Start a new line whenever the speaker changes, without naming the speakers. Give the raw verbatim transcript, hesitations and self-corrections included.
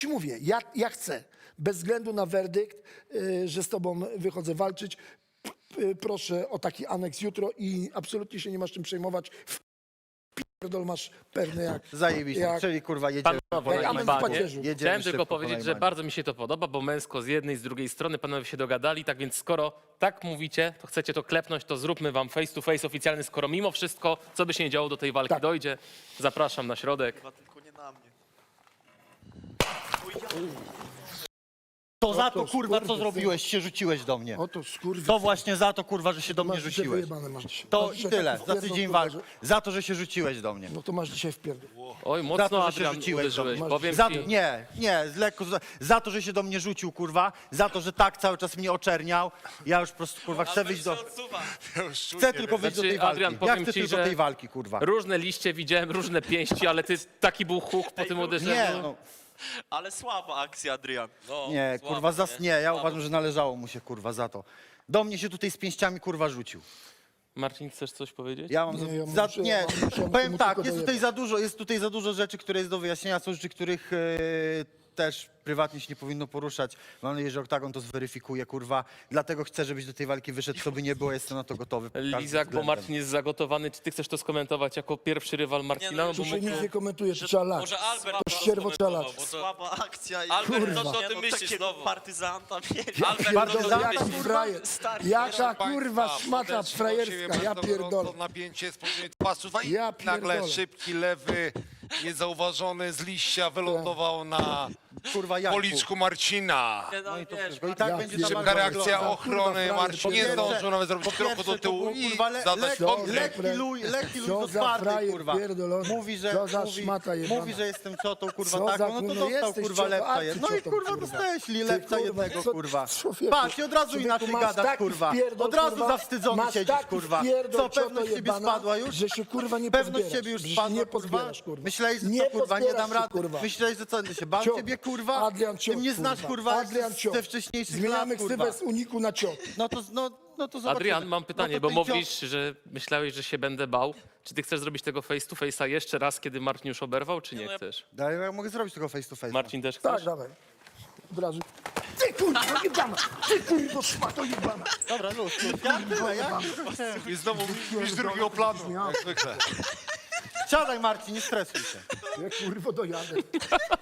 ci mówię, ja, ja chcę, bez względu na werdykt, y, że z tobą wychodzę walczyć. P- y, proszę o taki aneks jutro i absolutnie się nie masz czym przejmować. W pierdol masz pewny jak...
Zajebiście,
jak-
czyli kurwa jedziemy
Panowie,
po
jak
Najmanie.
amen w
panie,
pacierzu.
Jedziemy
chciałem tylko
szybko po
powiedzieć, że
Najmanie.
bardzo mi się to podoba, bo męsko z jednej, z drugiej strony panowie się dogadali, tak więc skoro tak mówicie, to chcecie to klepnąć, to zróbmy wam face to face oficjalny, skoro mimo wszystko, co by się nie działo, do tej walki
Tak.
dojdzie. Zapraszam na środek.
Chyba tylko nie na mnie.
To za to
to
kurwa co
skurwysyn.
zrobiłeś, się rzuciłeś do mnie.
Oto skurwy...
To właśnie za to kurwa, że się do mnie
masz dzisiaj
rzuciłeś.
wyjebane, masz dzisiaj.
To
Masz
i
dzisiaj
tyle,
taki
za
wpierdol,
tydzień
kurwa,
walk.
że-
Za to, że się rzuciłeś do mnie.
No to masz dzisiaj wpierdol.
Oj,
Za
mocno
to, że się
Adrian
rzuciłeś do
uderzyłeś.
mnie.
Powiem
Za,
ci,
nie, nie, z lekko, za, za to, że się do mnie rzucił, kurwa, za to, że tak cały czas mnie oczerniał, ja już po prostu, kurwa, chcę wyjść do... Chcę tylko wyjść do
Znaczy,
tej walki.
Adrian,
Ja
powiem
chcę
ci,
tylko
że-
tej walki, kurwa.
różne liście widziałem, różne pięści, ale ty taki był huk po tym uderzeniu.
Nie, no,
Ale słaba akcja, Adrian. No,
nie,
słaba,
kurwa, zas, nie, ja
Słabo.
uważam, że należało mu się, kurwa, za to. Do mnie się tutaj z pięściami, kurwa, rzucił.
Marcin, chcesz coś powiedzieć?
Ja mam
Nie,
za,
ja
za,
muszę-
nie,
ja muszę
powiem
mu
tak,
tylko
jest tutaj
dojebać.
za dużo, jest tutaj za dużo rzeczy, które jest do wyjaśnienia, są rzeczy, których e, też prywatnie się nie powinno poruszać. Mam nadzieję, że Oktagon to zweryfikuje, kurwa. Dlatego chcę, żebyś do tej walki wyszedł, co by nie było, jestem na to gotowy. pod każdym
Lizak, bo
względem.
Marcin jest zagotowany. Czy ty chcesz to skomentować jako pierwszy rywal Marcina?
Nie, no,
No,
To
bo
się
my-
nic nie komentuje, to trzeba lać.
Może Albert
To ścierwo trzeba lać.
bo to...
Słaba akcja i...
Albert,
Kurwa.
co ty o
Nie,
tym
no,
myślisz
takiego
znowu?
partyzanta mieli.
Albert,
Pierdolę,
co ty o tym
jaki
myślisz?
frajer,
Stary,
jaka
Proszę
kurwa
państwa,
szmata
podeszli do
frajerska,
siebie
ja
bardzo
pierdolę.
gorąco, napięcie z pomiędzy pasów, a i
Ja
nagle
pierdolę.
szybki lewy, niezauważony z liścia wylądował na
Kurwa, jak?
policzku Marcina.
Nie, no,
No i to
wiesz,
wszystko. I tak
Ja
będzie ta
pierdolę.
Szybka
walka
reakcja
wyglądała.
ochrony,
frajer,
Marcin nie
po pierwsze-
zdążył nawet zrobić
Po
kroku
pierwsze,
do
to
tyłu
był,
i
kurwa, le,
zadać
lekki,
kontrę.
lekki luj, lekki luj
Co
do
za
czwartej,
frajer
kurwa.
pierdolony.
Mówi, że,
Co za
mówi,
szmata jebana.
mówi, że jestem ciotą, kurwa,
Co
tak,
za
no to
kurwa,
dostał,
jesteś
kurwa,
ciotą,
lepca
a ty
jednego. No i
ciotą,
kurwa,
kurwa.
dostałeś li
Ty,
lepca
kurwa,
jednego,
co-
kurwa.
człowieku,
Patrz, i od razu
człowieku,
inaczej
masz
gadasz,
taki
kurwa.
wpierdol,
Od razu
kurwa,
zawstydzony
masz
siedzisz,
taki
kurwa.
wpierdol,
Co, pewność
cioto
siebie
jebana,
spadła już?
że się, kurwa, nie
Pewność
pozbierasz,
siebie już
że się
spadła,
nie
kurwa.
pozbierasz, kurwa.
Myślałeś, że
Nie
co, kurwa, nie
pozbierasz
dam
się,
rady.
kurwa.
Myślałeś, że co, się bał
Ciot.
ciebie, kurwa?
Adrian
Ty
ciot,
mnie znasz, kurwa,
Adrian ciot.
ze wcześniejszych
Zmieniamy
lat, kurwa.
ksywę z uniku na ciot.
No to, no, no to zobaczymy.
Adrian, mam pytanie,
no to
bo
ten cios-
mówisz, że myślałeś, że się będę bał. Czy ty chcesz zrobić tego face to face'a jeszcze raz, kiedy Marcin już oberwał, czy nie
no ja-
chcesz?
Daj, ja mogę zrobić tego face to face.
Marcin też
Tak,
chcesz?
dawaj. Od razu. Ty kurwa jebana! Ty kurwa szmato jebana!
Dobra, luz, luz. Ja tyle, ja
I znowu mistrz drugiego planu, jak zwykle.
Siadaj, Marcin, nie stresuj się.
Ja kurwa dojadę.